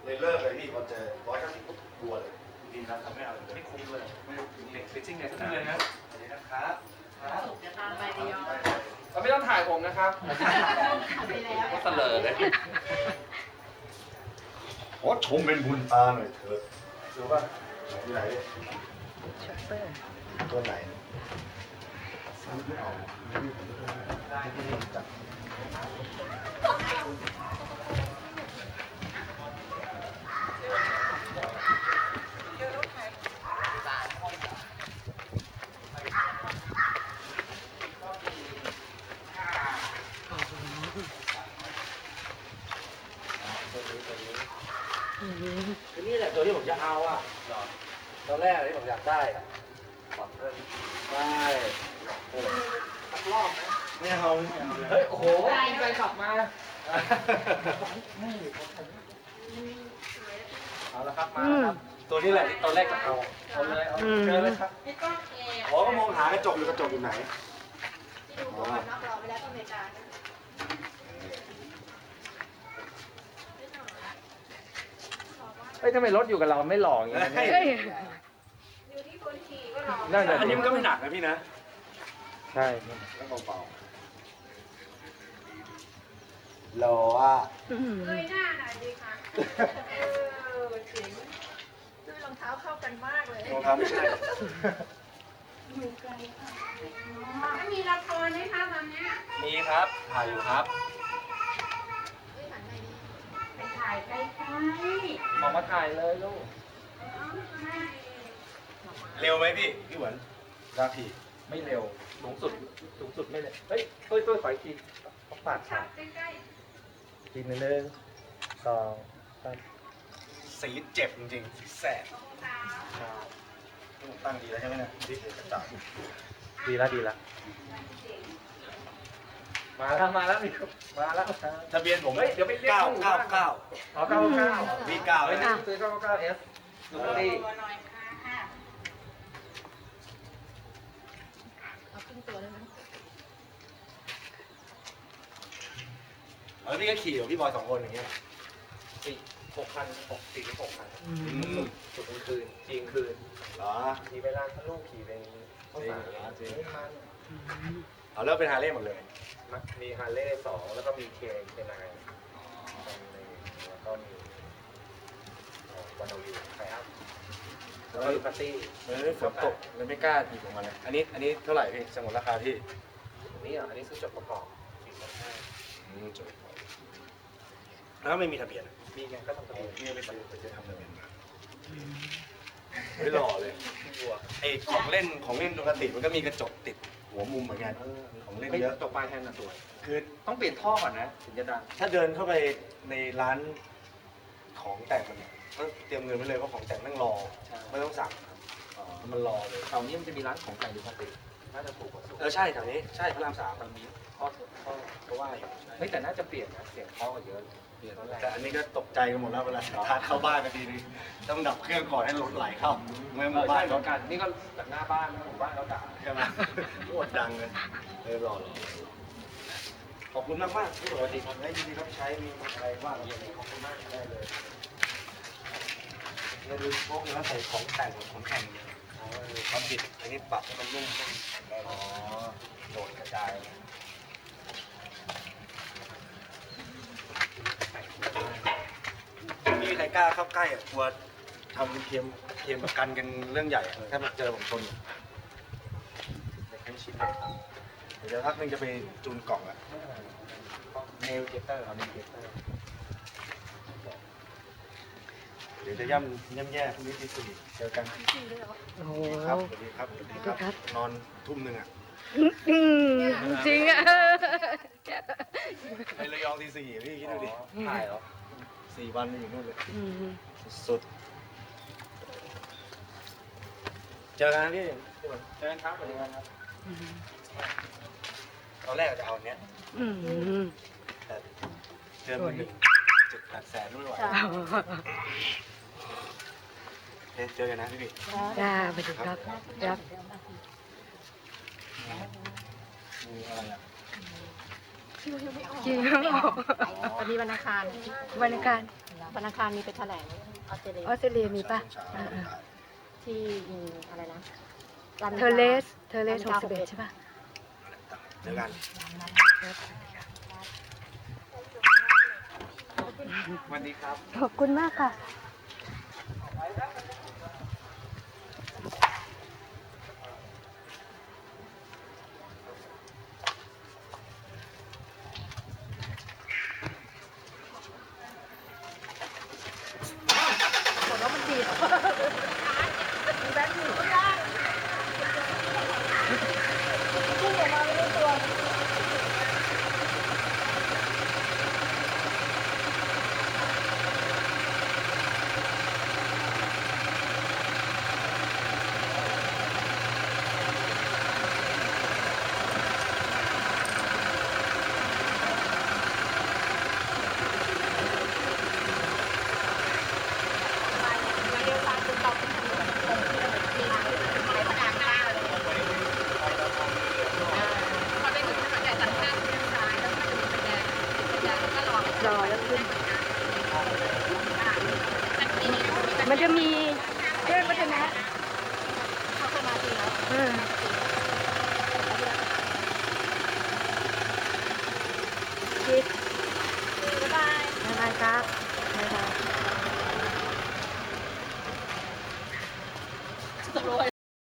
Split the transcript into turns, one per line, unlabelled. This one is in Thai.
เลยเลิกเลยพี่พอเจอ190ปุ๊บกลัวเลยดีนะทำไม่เอาเลย
ไม่คุ้มเลยไม่เด็กฟิชชิ่งเนี่ยทุกเดือนนะ
สวัสดีนะครับ
จะตามไประยอง
เราไม่ต้องถ่ายผมนะครับ
ไปแล้ว
ก็เสลอเลย
ขอชมเป็นบุญตาหน่อยเถอะดูป่ะที่ไหน
ช็อปเปอร์
ตัวไหนซื้อไม่เอาได้ที่นี่จัดนี่แหละตัวที่ผมจะเอาอ่ะตอนแรกที่ผมอยากได้อ่ะได้สักรอบไหมไม่เอาเฮ้ยโอ้โหมีแฟนขับมาเอาละครับมาแล้วครับตัวนี้แหละที่ตอนแรกจะเอาเลยเอาเจอเลยครับ
ไม่ต้องเอ
อ๋อก็มองหากระจกอยู่ไหน
ที่ดูตัวนักรอไปแล้วก็อเมริกา
เฮ้ยทำไมรถอยู่กับเราไม่หล่ออย่างเงี้ย
เฮ้ย
อยู่ที่คนขี่ก็รอ
นั่นแหละ
อันนี้มันก็ไม่หนักนะพี่นะ
ใช่
แล้วเบาๆรออ่ะ
เงยหน้าหน่อยดีค่ะเจ๋งด้วยรองเท้าเข้ากันมากเลย
รองเท้าไม่ใช่
อยู่ไกลค่ะไม่มีละครไหมคะตอนนี้
มีครับถ่ายอยู่ครับ
เฮ้ยหันไปดีไปถ่ายใกล้
ออกมาถ่ายเลยลูก
เร็วไหมพี่หวนราพี
ไม่เร็วสูงสุดไม่เร็วเฮ้ยตัวขออีกทีต้องปาด
ๆ
ขา
ชัดใกล้
ทีนึง1 2 3
สีเจ็บจริงๆสีแสบ
ๆรองเท้า
ตั้งดีแล้วใช่ไหมเนี่ยดีกระจับ
ดีละมาแล้วมาแล้ว
ทะเบียนผม
เฮ้ยเดี๋ยวไปเรียก
999
อ๋อ99
พี่9
เฮ้ย
นะ
ซื้อ99S ดูดิ
ตัวหน่อยค่ะ เอาครึ่งตัวได้ไหม
แล้วพี่ก็ขี่กับพี่บอย2 คนอย่างเงี้ย
6,000 6,000
อืม
สุดกลางคืนจริงคืน
เหรอ
ขี่ไปร้านพะลูกขี่ไปข้าวสาร
จริง
ไม่ทัน
เอาเลิกเป็นฮาร์เลย์หมดเลย
มีฮาร์เลย์2แล้วก็มีเคนายแล้วก็มีวันเอาวิวไฟอัพแล้วก็มีปาร์ตี้
ฝนตกเลยไม่กล้าหยิบออกมาเลยอันนี้เท่าไหร่พี่สมมติราคาพี่
อันนี้อันนี้ซื้อจดประกอบ425
จบแล้วไม่มีทะเบียน
มีไงก็ต้องทะเบียน
พี่ไม่ซื้อจะทำทะเบียนมาไม่หล่อเลย
บัว
ไอ้ของเล่นปกติมันก็มีกระจกติดหัวมุมเหมือนกันของเล่นเยอะ
ตกปลายแทนน่ะสวย
คือ
ต้องเปลี่ยนท่อก่อนนะถึงจะดัง
ถ้าเดินเข้าไปในร้านของแต่งมันเนี่ยต้องเตรียมเงินไว้เลยเพราะของแต่งนั่งรอไม่ต้องสั่งมันรอเลย
แถวนี้มันจะมีร้านของแต่งดูปกติน่าจะถูกกว่าสุด
ใช่แถวนี้ใช่พระราม 3
มันมีข้อก็ว่าอยู่เฮ้ยแต่น่าจะเปลี่ยนนะเสียงท่อก็เยอะเปลี่ยนตอนแรก
แต่อันนี้ก็ตกใจกันหมดแล้วเวลาทานเข้าบ้านกันทีนึงต้องดับเครื่องก่อนให้รถไหลเข้าไม่หมู่บ้าน
เหมือนกันนี่ก็จากหน้าบ้านหมู่บ้านเราด่า
ใช่ไหมโคตรดังเลยรอขอบคุณมากที่ปกติทำให้ยินดีรับใช้มีอะไรบ้างขอบคุณมากได้เลยเราดูพวกนี้ใส่ของแต่งของแข่งความบิดอันนี้ปรับให้มันนุ่มขึ้นอ๋อโดนกระจายไม่มีใครกล้าเข้าใกล้อ่ะกลัวทำเคมประกันกันเรื่องใหญ่ถ้าเจอผมชนเด็กให้ชิดเลยเดี๋ยวพักนึงจะไปจูนกล่องอ่ะ
เนลเจเตอร์เอาเนลเจเตอร์
เดี๋ยวจะย่ำแย่พรุ่งนี้ที่สี่เจอกัน
โอ้โห
ครับสวัสดีครับสวัสดีครับ
ครับ
นอนทุ่มหนึ่งอ่ะ
อืมจริงอ่ะ
ไประยองที่สี่พี่คิดดูดิ
ถ่ายเหรอ
4 วันอยู่นู่นเลย
อืม
สุดเจอกันนะพี่
เชิญครับสวัสดีครับ
ตอนแรกจะเอาอันเนี้ย
อืม
แต่เจอมือหนึ่ง7-8 แสนไม่ไหวเจอกันนะพี่
จ้าสวัสดีครับครับ
มีอะไรอ่ะ
จริงเหรอ
วันนี้วันอังคาร
วันอังคาร
อ
วันอังคารมีไปแถลงออสเตรเลีย
ออสเตรเลียมีป่ะ
ใช่ใช่
ที่อะไรนะ
เทเลส61ใช่ป่ะ
เจอกัน
สวัสดีครับ
ขอบคุณมากค่ะ รอแล้วขึ้น มันจะมีเรื่องวัฒนะ
เขาเคยมาจริงแล้ว
เออ คิด
บ๊ายบาย
บ๊ายบายครับบ๊ายบาย